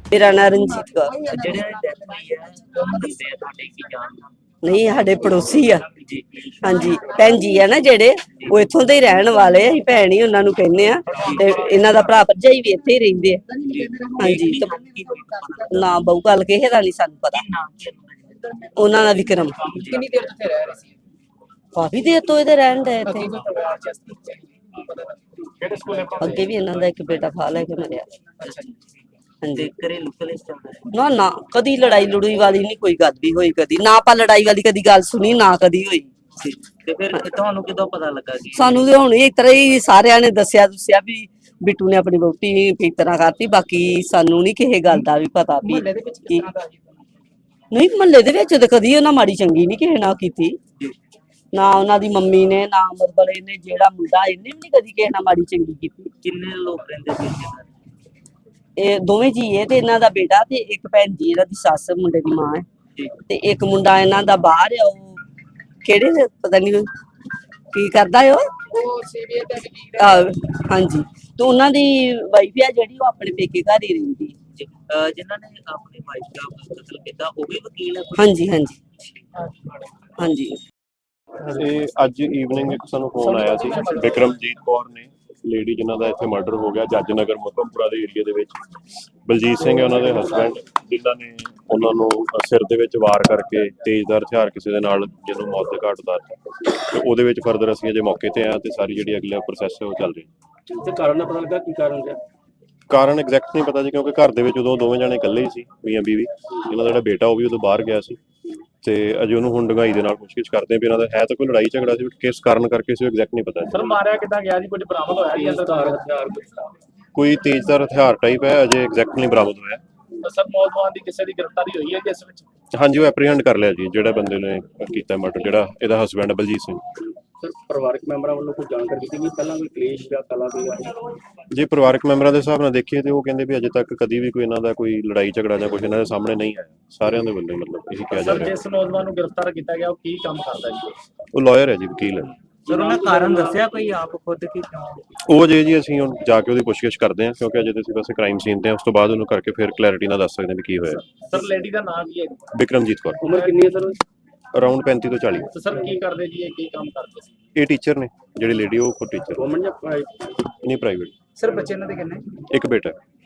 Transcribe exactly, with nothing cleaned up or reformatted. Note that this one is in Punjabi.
ਮੇਰਾ ਨਾਂ ਰਣਜੀਤ ਕੌਰ। ਜਿਹੜੇ ਡੈਥ ਹੋਈ ਹੈ ਕੌਣ ਦੱਸਿਆ ਤੁਹਾਡੇ ਕੀ ਜਾਣ ਨਹੀਂ ਸਾਡੇ ਪੜੋਸੀ ਆ। ਜੀ ਹਾਂਜੀ ਭੈਣ ਜੀ ਆ ਨਾ ਜਿਹੜੇ, ਉਹ ਇੱਥੋਂ ਦੇ ਹੀ ਰਹਿਣ ਵਾਲੇ ਆ। ਅਸੀਂ ਭੈਣ ਹੀ ਉਹਨਾਂ ਨੂੰ ਕਹਿੰਦੇ ਆ, ਤੇ ਇਹਨਾਂ ਦਾ ਭਰਾ ਭਰਜਾਈ ਵੀ ਇੱਥੇ ਹੀ ਰਹਿੰਦੇ ਆ। ਹਾਂਜੀ ਨਾ ਬਹੁ ਗੱਲ ਕਿਸੇ ਦਾ ਨਹੀਂ ਸਾਨੂੰ ਪਤਾ। ਉਹਨਾਂ ਦਾ ਵਿਕਰਮ ਕਿੰਨੀ ਦੇਰ ਤੋਂ ਇੱਥੇ ਰਹਿ ਰਹੇ ਸੀ? ਕਾਫੀ ਦੇਰ ਤੋਂ ਇਹਦੇ ਰਹਿਣ ਦੇ ਇੱਥੇ। ਕਿਹੜੇ ਸਕੂਲ ਹੈ? ਅੱਗੇ ਵੀ ਇਹਨਾਂ ਦਾ ਇੱਕ ਬੇਟਾ ਫਾ ਲੈ ਕੇ ਮਰਿਆ। ਅੱਛਾ ਜੀ। ਹਾਂਜੀ ਘਰੇਲੂ ਕਲੇਸ਼ ਚੱਲਦਾ ਹੈ ਨਾ ਨਾ ਕਦੀ ਲੜਾਈ ਲੜੂਈ ਵਾਲੀ ਨਹੀਂ ਕੋਈ ਗੱਲ ਵੀ ਹੋਈ, ਕਦੀ ਨਾ ਆਪਾਂ ਲੜਾਈ ਵਾਲੀ ਕਦੀ ਗੱਲ ਸੁਣੀ ਨਾ ਕਦੀ ਹੋਈ। ਜੀ। ਤੇ ਫਿਰ ਤੁਹਾਨੂੰ ਕਿਦੋਂ ਪਤਾ ਲੱਗਾ ਕਿ ਸਾਨੂੰ ਤੇ ਹੁਣ ਇਸ ਤਰ੍ਹਾਂ ਹੀ ਸਾਰਿਆਂ ਨੇ ਦੱਸਿਆ ਦੱਸਿਆ ਵੀ ਬਿੱਟੂ ਨੇ ਆਪਣੀ ਵਹੁਟੀ ਇਸ ਤਰ੍ਹਾਂ ਕਰਤੀ। ਬਾਕੀ ਸਾਨੂੰ ਨਹੀਂ ਕਿਸੇ ਗੱਲ ਦਾ ਵੀ ਪਤਾ ਵੀ ਮੁਹੱਲੇ ਦੇ ਵਿੱਚ ਕਿਸ ਤਰ੍ਹਾਂ ਦਾ ਸੀ? ਨਹੀਂ ਮਹੱਲੇ ਦੇ ਵਿੱਚ ਤਾਂ ਕਦੀ ਉਹਨਾਂ ਮਾੜੀ ਚੰਗੀ ਨਹੀਂ ਕਿਸੇ ਨਾਲ ਕੀਤੀ। ਨਾ ਉਹਨਾਂ ਦੀ ਮੰਮੀ ਨੇ ਨਾ ਮਤਲਬ ਇਹਨੇ ਜਿਹੜਾ ਮੁੰਡਾ ਇਹਨੇ ਵੀ ਨਹੀਂ ਕਦੀ ਕਿਸੇ ਨਾਲ ਮਾੜੀ ਚੰਗੀ ਕੀਤੀ। ਕਿੰਨੇ ਲੋਕ ਰਹਿੰਦੇ ਸੀ ਇੱਥੇ ਘਰ? ਇਹ ਦੋਵੇਂ ਜੀ ਇਹ ਤੇ ਇਹਨਾਂ ਦਾ ਬੇਟਾ ਤੇ ਇੱਕ ਭੈਣ ਜੀ ਇਹਨਾਂ ਦੀ ਸੱਸ ਮੁੰਡੇ ਦੀ ਮਾਂ ਹੈ। ਜੀ ਤੇ ਇੱਕ ਮੁੰਡਾ ਇਹਨਾਂ ਦਾ ਬਾਹਰ ਆ, ਉਹ ਕਿਹੜੇ ਦੇ ਪਤਾ ਨਹੀਂ ਕੀ ਕਰਦਾ ਹੈ ਉਹ। ਉਹ ਸੀਬੀਆਈ ਦਾ ਵਕੀਲ ਹੈ। ਆਹ, ਹਾਂਜੀ ਤੇ ਉਹਨਾਂ ਦੀ ਵਾਈਫ ਆ ਜਿਹੜੀ, ਉਹ ਆਪਣੇ ਪੇਕੇ ਘਰ ਹੀ ਰਹਿੰਦੀ। ਜੀ। ਅਹ ਜਿਨ੍ਹਾਂ ਨੇ ਆਪਣੀ ਵਾਈਫ ਦਾ ਕਤਲ ਕੀਤਾ ਉਹ ਵੀ ਵਕੀਲ ਹੈ ਕੋਈ? ਹਾਂਜੀ ਹਾਂਜੀ ਹਾਂਜੀ ਇਹ ਅੱਜ ਈਵਨਿੰਗ ਇੱਕ ਸਾਨੂੰ ਫੋਨ ਆਇਆ ਸੀ, ਵਿਕਰਮਜੀਤ ਕੌਰ ਨੇ ਲੇਡੀ ਜਿਨ੍ਹਾਂ ਦਾ ਇੱਥੇ ਮਰਡਰ ਹੋ ਗਿਆ ਜੱਜ ਨਗਰ ਮੁਕਮਪੁਰਾ ਦੇ ਏਰੀਆ ਦੇ ਵਿੱਚ। ਬਲਜੀਤ ਸਿੰਘ ਹੈ ਉਹਨਾਂ ਦੇ ਹਸਬੈਂਡ, ਜਿਨ੍ਹਾਂ ਨੇ ਉਹਨਾਂ ਨੂੰ ਸਿਰ ਦੇ ਵਿੱਚ ਵਾਰ ਕਰਕੇ ਤੇਜ਼ਧਾਰ ਹਥਿਆਰ ਕਿਸੇ ਦੇ ਨਾਲ ਜਿਹਨੂੰ ਮੌਤ ਦੇ ਘਾਟ ਉਤਾਰਿਆ। ਤੇ ਉਹਦੇ ਵਿੱਚ ਫਰਦਰ ਅਸੀਂ ਅਜੇ ਮੌਕੇ ਤੇ ਆ ਤੇ ਸਾਰੀ ਜਿਹੜੀ ਅਗਲਾ ਪ੍ਰੋਸੈਸ ਹੈ ਉਹ ਚੱਲ ਰਹੀ। ਤੇ ਕਾਰਨ ਦਾ ਪਤਾ ਲੱਗਾ ਕੀ ਕਾਰਨ ਹੈ? ਕਾਰਨ ਐਗਜ਼ੈਕਟ ਨਹੀਂ ਪਤਾ ਜੀ, ਕਿਉਂਕਿ ਘਰ ਦੇ ਵਿੱਚ ਉਦੋਂ ਦੋਵੇਂ ਜਾਣੇ ਇਕੱਲੇ ਹੀ ਸੀ, ਮੀਆਂ ਬੀਵੀ। ਇਹਨਾਂ ਦਾ ਜਿਹੜਾ ਬੇਟਾ ਉਹ ਵੀ ਉਦੋਂ ਬਾਹਰ ਗਿਆ ਸੀ ਤੇ ਅਜੇ ਉਹਨੂੰ ਹੁਣ ਡੂੰਘਾਈ ਦੇ ਨਾਲ ਪੁੱਛਗਿੱਛ ਕਰਦੇ ਆ ਵੀ ਇਹਨਾਂ ਦਾ ਹੈ ਤਾਂ ਕੋਈ ਲੜਾਈ ਝਗੜਾ ਸੀ, ਕਿਸ ਕਾਰਨ ਕਰਕੇ ਸੀ ਉਹ ਐਗਜ਼ੈਕਟ ਨਹੀਂ ਪਤਾ। ਸਰ ਮਾਰਿਆ ਕਿੱਦਾਂ ਗਿਆ ਜੀ? ਕੁਝ ਬਰਾਮਦ ਹੋਇਆ ਜੀ ਅੰਦਰ ਹਥਿਆਰ? ਕੋਈ ਤੇਜ਼ਧਾਰ ਹਥਿਆਰ ਟਾਈਪ ਹੈ, ਅਜੇ ਐਗਜ਼ੈਕਟ ਨਹੀਂ ਬਰਾਮਦ ਹੋਇਆ। ਸਰ ਨੌਜਵਾਨ ਦੀ ਕਿਸੇ ਦੀ ਗ੍ਰਿਫਤਾਰੀ ਹੋਈ ਹੈ ਜਿਸ ਵਿੱਚ? ਹਾਂਜੀ ਉਹ ਐਪਰੀਹੈਂਡ ਕਰ ਲਿਆ ਜੀ, ਜਿਹੜਾ ਬੰਦੇ ਨੇ ਕੀਤਾ ਮਰਡਰ, ਜਿਹੜਾ ਇਹਦਾ ਹਸਬੈਂਡ ਬਲਜੀਤ ਸਿੰਘ। ਸਰ ਪਰਿਵਾਰਕ ਮੈਂਬਰਾਂ ਵੱਲੋਂ ਕੋਈ ਜਾਣਕਾਰੀ ਦਿੱਤੀ ਗਈ ਪਹਿਲਾਂ ਕੋਈ ਕਲੇਸ਼ ਜਾਂ ਕਲਾ ਕੋਈ ਆਈ? ਜੇ ਪਰਿਵਾਰਕ ਮੈਂਬਰਾਂ ਦੇ ਹਿਸਾਬ ਨਾਲ ਦੇਖੀਏ ਤੇ ਉਹ ਕਹਿੰਦੇ ਵੀ ਅਜੇ ਤੱਕ ਕਦੀ ਵੀ ਕੋਈ ਇਹਨਾਂ ਦਾ ਕੋਈ ਲੜਾਈ ਝਗੜਾ ਜਾਂ ਕੁਝ ਇਹਨਾਂ ਦੇ ਸਾਹਮਣੇ ਨਹੀਂ ਆਇਆ। ਸਾਰਿਆਂ ਦੇ ਵੱਲੋਂ ਮਤਲਬ ਇਹੀ ਕਿਹਾ ਜਾ ਸਰ ਰਿਹਾ। ਜਿਸ ਨੌਜਵਾਨ ਨੂੰ ਗ੍ਰਿਫਤਾਰ ਕੀਤਾ ਗਿਆ ਉਹ ਕੀ ਕੰਮ ਕਰਦਾ ਜੀ? ਉਹ ਲਾਇਰ ਹੈ ਜੀ, ਵਕੀਲ ਹੈ। ਸਰ ਉਹਨਾਂ ਕਾਰਨ ਦੱਸਿਆ ਕੋਈ ਆਪ ਖੁਦ ਕੀ ਕਿਉਂ? ਉਹ ਜੇ ਜੀ ਅਸੀਂ ਹੁਣ ਜਾ ਕੇ ਉਹਦੀ ਪੁੱਛਗਿੱਛ ਕਰਦੇ ਹਾਂ, ਕਿਉਂਕਿ ਅਜੇ ਤੁਸੀਂ ਵੈਸੇ ਕ੍ਰਾਈਮ ਸੀਨ ਤੇ ਹਾਂ, ਉਸ ਤੋਂ ਬਾਅਦ ਉਹਨੂੰ ਕਰਕੇ ਫਿਰ ਕਲੈਰਿਟੀ ਨਾਲ ਦੱਸ ਸਕਦੇ ਹਾਂ ਵੀ ਕੀ ਹੋਇਆ। ਸਰ ਲੇਡੀ ਦਾ ਨਾਮ ਕੀ ਹੈ? ਵਿਕਰਮਜੀਤ ਕੌਰ। ਉਮਰ ਕਿੰਨੀ ਹੈ ਸਰ? ਅਰਾਊਂਡ ਪੈਂਤੀ ਤੋਂ ਚਾਲੀ। ਤੇ ਸਰ ਕੀ ਕਰਦੇ ਜੀ? ਇਹ ਕੀ ਕੰਮ ਕਰਦੇ ਸੀ? ਇਹ ਟੀਚਰ ਨੇ, ਜਿਹੜੀ ਲੇਡੀ ਉਹ ਖੁਦ ਟੀਚਰ ਗਵਰਨਮੈਂਟ ਜਾਂ ਪ੍ਰਾਈਵੇਟ? ਨਹੀਂ ਪ੍ਰਾਈਵੇਟ। ਸਰ ਬੱਚੇ ਇਹਨਾਂ ਦੇ ਕਿੰਨੇ? ਇੱਕ ਬੇਟਾ।